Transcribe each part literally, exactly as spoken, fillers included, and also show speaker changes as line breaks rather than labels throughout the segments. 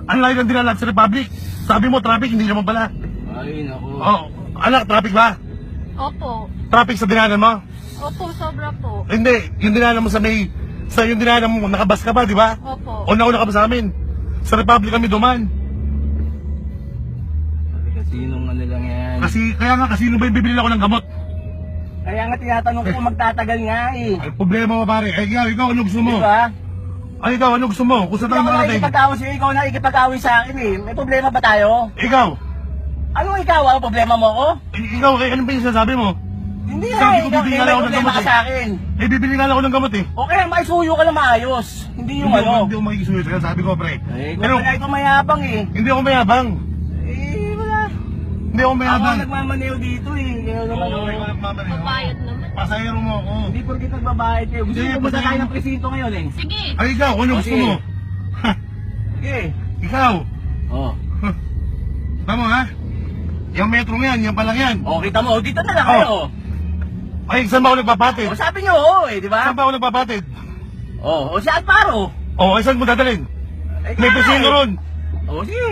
Ang layo ng dinala sa Republic. Sabi mo, traffic, hindi naman pala.
Ay, naku.
Oh, anak, traffic ba?
Opo.
Traffic sa dinanan mo?
Opo, sobra po.
Hindi, yung dinanan mo sa may... Sa yung dinanan mo, nakabas ka ba, di ba?
Opo.
O nauna ka ba sa amin? Sa Republic kami duman.
Kasinong ano lang yan.
Kasi, kaya nga, kasi ba yung bibili ako ng gamot?
Kaya nga tinatanong ko magtatagal nga eh.
Ay, problema mo pare. Ay, ikaw, ikaw, ano gusto mo?
Diba?
Ay, ikaw, ano gusto mo? Kung saan
Hindi
tayo
ako
marating?
nakikipag-away sa'yo, ikaw nakikipag-away sa akin eh. May problema ba tayo?
Ikaw,
Anong ikaw? Ano problema mo ako?
I- ikaw, eh, ano ba yung sinasabi mo?
Hindi
Sabi
na
ko,
eh, ikaw
bibigyan
may
ako ng
problema
gamot
ka
eh.
sa akin.
Eh, bibili nga lang ako ng gamot eh.
O kaya maisuyo ka na maayos. Hindi yung
Hindi ako,
ano.
hindi ako makikisuyo sa'yo, sabi ko, pre.
Eh, kung
Pero,
wala ito mayabang eh.
hindi ako mayabang.
Eh, wala.
Hindi ako
Ako
mayabang.
ang nagmamaneo dito eh. Kaya naman
Oo,
oh.
ikaw nagmamaneo.
Babayad naman.
Pasahero mo ako.
Hindi porkit nagbabayad kayo. Gusto
Hindi,
mo pumunta
pasahero
tayo
mo.
ng presinto ngayon eh.
Sige.
Ay, ikaw, ano
O,
gusto
sige.
mo? Ha,
Sige.
ikaw.
Oh.
Tama ha? Yung metro mo yan, yan pa lang yan.
O, kita mo. Dito na lang
Oh.
kayo.
Ay, saan ba ako nagpapatid?
O, sabi niyo oo eh, di ba?
Saan ba ako nagpapatid?
O, o si Alparo.
Oh, ay saan mo dadalhin?
Eh,
May
kaya
presino
eh.
ron.
O, sige.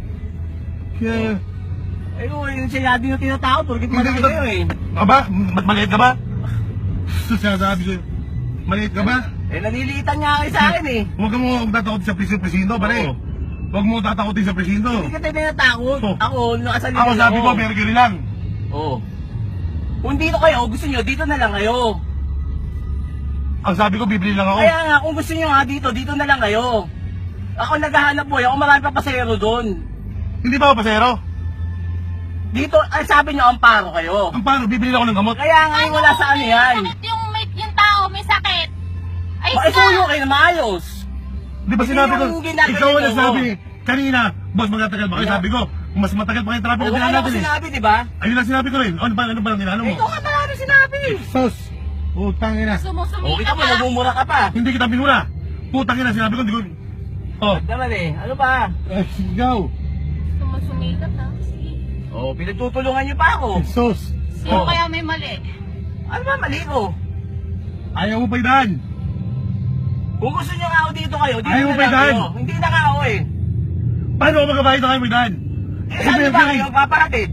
Yeah.
Eh, o, yung siya din yung tinatawag. Porkit
Hindi
malaki
kita-
kayo eh.
Aba, ma- maliit ka ba? Sinasabi ko, maliit ka ba?
Eh, naliliitan niya kayo sa akin eh.
Huwag mo huwag tatakotin sa presinto, presinto, pare.
Oo.
Huwag mo tatakotin sa presinto.
Hindi ka tayo tinatakot.
Oh.
Ako, nakasalita
Ako sabi ko, mercury lang.
Oo. Kung dito kayo, gusto niyo, dito na lang kayo.
Ang sabi ko, bibili lang ako.
Kaya nga, kung gusto niyo nga dito, dito na lang kayo. Ako naghahanap buhay, ako marami pa pasahero doon.
Hindi ba ako pasero?
Dito, ay sabi niyo, amparo kayo.
Ang paano, bibili lang ako ng gamot.
Kaya nga, yung wala sa ano yan.
Sakit yung, may, yung tao, may sakit. Ay,
Maisuyo kayo na maayos.
Di ba
Hindi
sinabi ko,
yung ginagawa
ikaw ang
niyo.
nagsabi kanina, boss, magtatagal ba kayo?
Wala.
Sabi ko, mas matagal pa kayo traffic
O,
na
wala
dinaan
ko
natin eh.
sinabi, di ba?
Ayun lang sinabi ko rin. Ano ba, ano ba ang dinaan mo?
Ikaw nga marami sinabi.
Sos, putang ina.
O,
sumusumita
kita mo,
ka.
nagmumura ka pa.
Hindi kita binura. Putang ina, sinabi ko, hindi ko... Oh,
Ba't naman eh, ano ba?
eh, sigaw.
Sumusumita ka. Sige.
O, pinagtutulungan niyo pa ako.
Sos.
Sino
Oh.
kaya may mali?
Ano ba, mali ko?
Ayaw mo pa idaan.
Kung gusto niyo nga ako dito kayo, dito
Ayaw mo
na
ba
lang
daan?
kayo. Hindi na nga ako eh.
Paano ako magkabayad na kayo mo idaan?
Eh, saan ba kayo papahatid?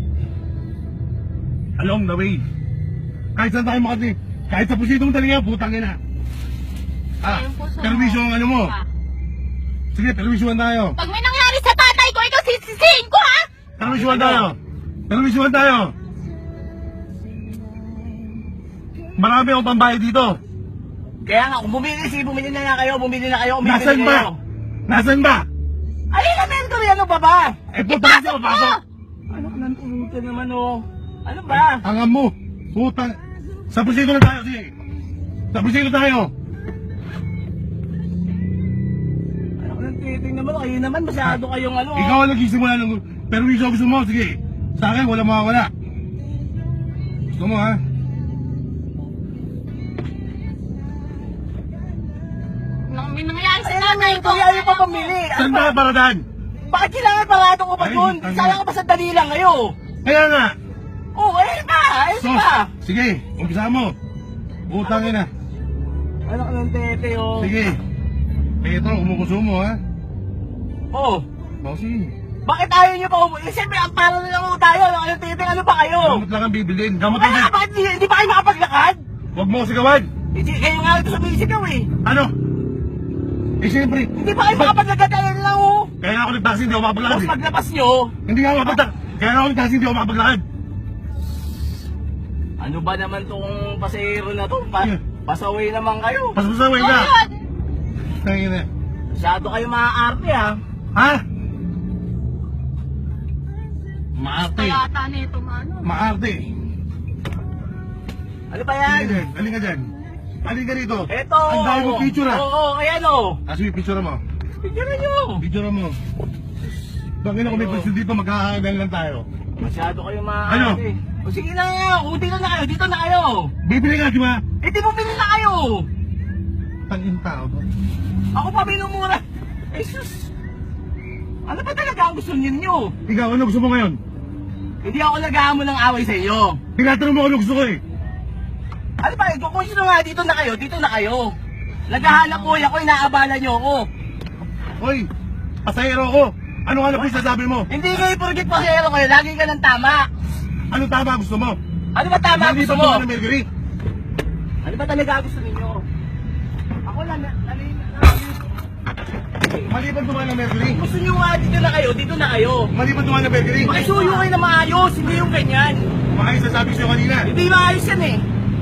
Along the way. Kahit saan tayo makati. Kahit sa pusitong talaga, putang ina. Ah,
Ayun po, so-
perwisyo ang ano mo.
Ah.
Sige, perwisyuhan tayo.
Pag may nangyari sa tatay ko, ikaw sisisihin ko, ha?
Perwisyuhan tayo. Perwisyuhan tayo. Marami akong pambayad dito.
Kaya nga, kung bumili, sige, bumili na nga kayo, bumili na kayo, bumili
Nasaan
na
ba?
kayo.
Nasaan ba?
Ay, elementary, ano ba ba?
Eh, putang ina, pasok.
Ano ka nang pumunta naman, oh? Ano ba?
Angam mo. Putang. Sa pusito na tayo, sige. Sa pusito tayo.
Ano ka nang titing naman, kayo naman, masyado kayong ano, oh.
Ikaw ang nagsisimula ng perwisyo gusto mo, sige. Sa akin, wala mawawala. Gusto mo, ha?
Nang may nangyari sa
Ay,
tatay ko.
elementary, ayaw pa pamili. Ano
Saan
ba?
ba paradaan?
Bakit kailangan parado ko pa
Ay,
doon?
tanga.
Sayang ka pa sa dali lang kayo.
Kaya nga.
Oh, ayun pa, ayun
Sos,
pa.
sige, umpisa mo. Putang ina.
Ano ka nang tete, oh?
Sige. Petro, umukusumo, ha?
Oh,
Bossing.
bakit ayaw niyo pa umuwi? Eh, siyempre, ang paro na lang ho tayo. Ano kayong titing, ano pa kayo?
Gamot lang ang bibilin. Gamot
Kaya,
lang.
bakit hindi, hindi pa kayo makapaglakad?
Huwag mo ko sigawan.
Hindi, kayo nga ito sa bisigaw eh.
Ano? Eh, siyempre.
Hindi pa kayo makapaglakad, ayun lang oh.
Kaya nga ako nagtaksi, hindi ako makapaglakad
Tapos
eh.
paglabas nyo,
Hindi nga ako makapaglakad. Kaya nga ako nagtaksi, hindi ako makapaglakad.
ano ba naman tong pasahero na to? Pa
Yeah.
pasaway naman kayo.
Pasasaway
Oh,
ka.
yun.
Tangin na.
Masyado kayo maaarte ha.
Ha? Maarte.
Kaya ata nito, mano.
Maarte.
Ano ba
Halika
yan?
dyan. Halika dyan. Halika rito.
Eto.
Ang dami mo picture ah.
Oo, oo, ayan oh.
Kasi yung picture mo.
Picture nyo.
Picture mo. Bakit na kung may question dito, magkakagan lang tayo.
Masyado kayo
Ano?
maaarte. O sige na nga, o dito na kayo, dito na kayo.
Bibili ka, di ba?
Eh di bumili na kayo.
Tangin tao ba?
Ako pa minumura. Eh sus. Ano ba talaga ang gusto ninyo?
Ikaw, ano gusto mo ngayon?
Hindi ako nag-aamon ng away sa iyo.
Tinatanong mo ano gusto ko eh.
Ano ba, eh, kung sino nga, dito na kayo, dito na kayo. Naghahanap po ako, inaabala nyo ako.
Hoy, pasahero ko. Ano ka na po sasabi mo?
Hindi kayo porkit pasero kayo, lagi ka ng tama.
Ano tama gusto mo?
Ano ba tama
Hindi
gusto
ba
mo?
ng Mercury?
Ano ba talaga gusto ninyo? Ako lang, nalin,
Maliban dumaan ng Mercury.
gusto nyo nga dito na kayo, dito na kayo.
Maliban dumaan ng Mercury.
Makisuyo kayo na maayos, hindi yung ganyan.
Maayos sasabi ko sa'yo kanina.
Hindi maayos yan eh.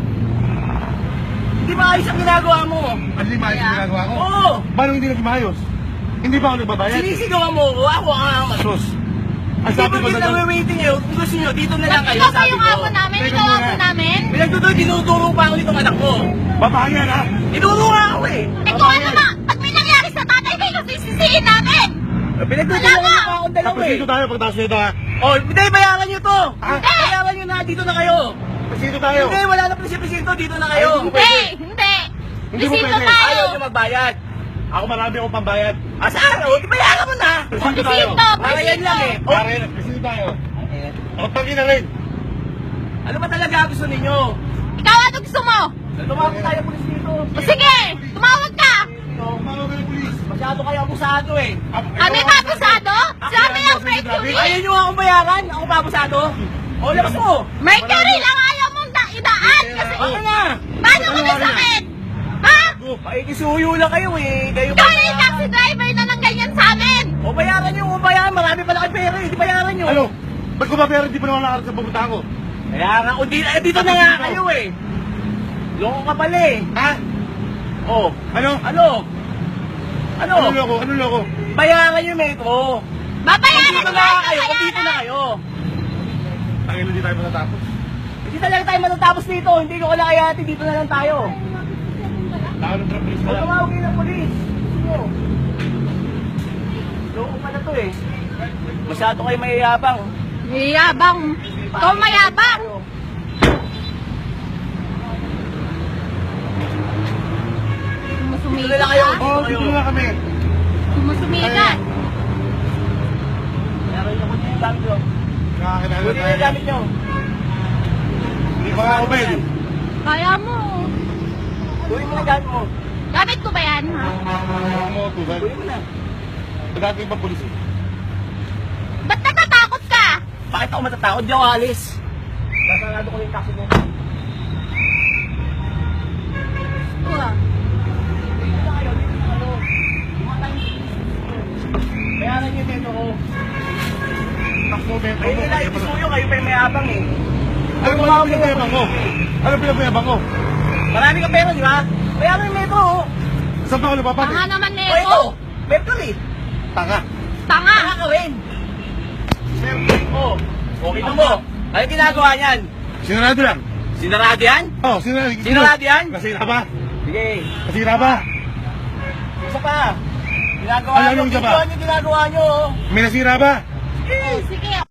Hindi maayos ang ginagawa mo.
Ano yung maayos yung ginagawa ko?
Oo.
Paano hindi naging maayos? Hindi ba ako nagbabayad?
Sinisigawan mo ko, ako ang
Sus. Ang
Hindi
sabi
ba
mo
kita
na lang.
waiting kayo? Kung gusto nyo, dito na lang kayo,
Ikaw pa
sabi
yung
ko.
amo namin,
Teka
ikaw
muna.
amo namin.
Pinagtutuloy, tinuturo pa ako nitong anak ko.
Babayan ha?
Tinuro nga ako eh.
Eh kung ano na, pag may nangyari sa tatay ko, ikaw sisisihin namin.
Pinagtutuloy
Wala
pa
nga.
akong dalawa
Tapos
eh.
dito tayo pagtaas nito ha?
Oh, hindi, bayaran nyo to.
Ah?
Bayaran nyo na, dito na kayo.
Tapos dito tayo.
Hindi, wala na presyo-presyo, dito na kayo.
Ay, hindi
Hindi, hindi.
Hindi mo
Bisito
pwede.
tayo.
Ayaw nyo magbayad.
Ako marami akong pambayad.
Ah, sa araw, di bayaran mo na.
Presito tayo.
Bisito,
Para yan lang eh.
bisito.
Oh,
Pare, presito tayo. O, pagin na rin.
ano ba talaga gusto ninyo?
Ikaw ano gusto mo?
Tumawag tayo pulis dito.
O sige, tumawag ka.
Tumawag ka ng pulis.
Masyado kayo abusado eh.
Ano yung papasado? Sabi ng Mercury.
Ayaw nyo akong bayaran? Ako babusado? O, labas mo.
Mercury lang ayaw mong da- idaan kasi
Ano na?
paano ko nasakit? Ha?
Pakikisuyo lang kayo eh. Kayo
Ikaw na yung taxi driver na ng ganyan sa amin.
O bayaran nyo, o bayaran. Marami pala kayo pera eh. Di bayaran nyo.
Ano? Ba't ko ba pera di pa naman nakarat sa pupunta ko?
Kaya nga, o di, eh, dito na nga kayo eh. Loko ka pala eh.
Ha?
O,
Ano?
ano? Ano?
Ano loko? Ano loko?
Bayaran yung metro.
Babayaran
Dito
ko
na
yan,
kayo, o dito na
babayaran.
kayo.
Ang ilo di tayo matatapos.
Hindi talaga tayo matatapos dito. Hindi ko kailangan kaya dito na lang tayo.
Tao ng trapis
O
pala.
tumawag kayo ng polis. Gusto mo? Loko pala to eh. Masyado kayo mayayabang.
Mayabang. Ikaw mayabang.
Dito
Sumusumigat
na lang kayo.
ha?
Oo, dito na lang kami.
Sumusumigat.
Meron niyo kunin yung gamit nyo.
Nakakilala
Kunin yung
tayo.
gamit nyo.
Hindi ba ako pwede?
Kaya mo.
Kunin mo na yung gamit mo.
Gamit ko ba yan ha?
Ako mo, tugan.
Kunin mo na.
Pagkakit yung pulis eh.
Ba't natatakot ka?
Bakit ako matatakot? Di ako alis. Nasarado ko yung taxi mo.
Uh,
Dito na kayo, dito na kayo. Lumatang yung bayaran niyo yung metro ko.
Takbo, metro
Kayo
mo.
nila yung isuyo, kayo pa yung mayabang eh.
Ano ba ang pinapayabang ko? Ano pinapayabang ko?
Marami ka pera, di ba? Bayaran yung metro oh.
Saan pa ako napapati?
Tanga naman
O ito,
Neko.
metro eh.
Tanga.
Tanga.
Nakakawin. Oh, okay na mo. Ano ginagawa niyan?
Sinarado lang.
Sinarado yan?
Oh, sinarado.
Sinarado yan?
Nasira ba?
Sige.
Nasira ba?
Isa pa. Ginagawa
Ano,
nyo,
anong isa pa?
video nyo ginagawa nyo oh.
May nasira ba?
Oh, sige,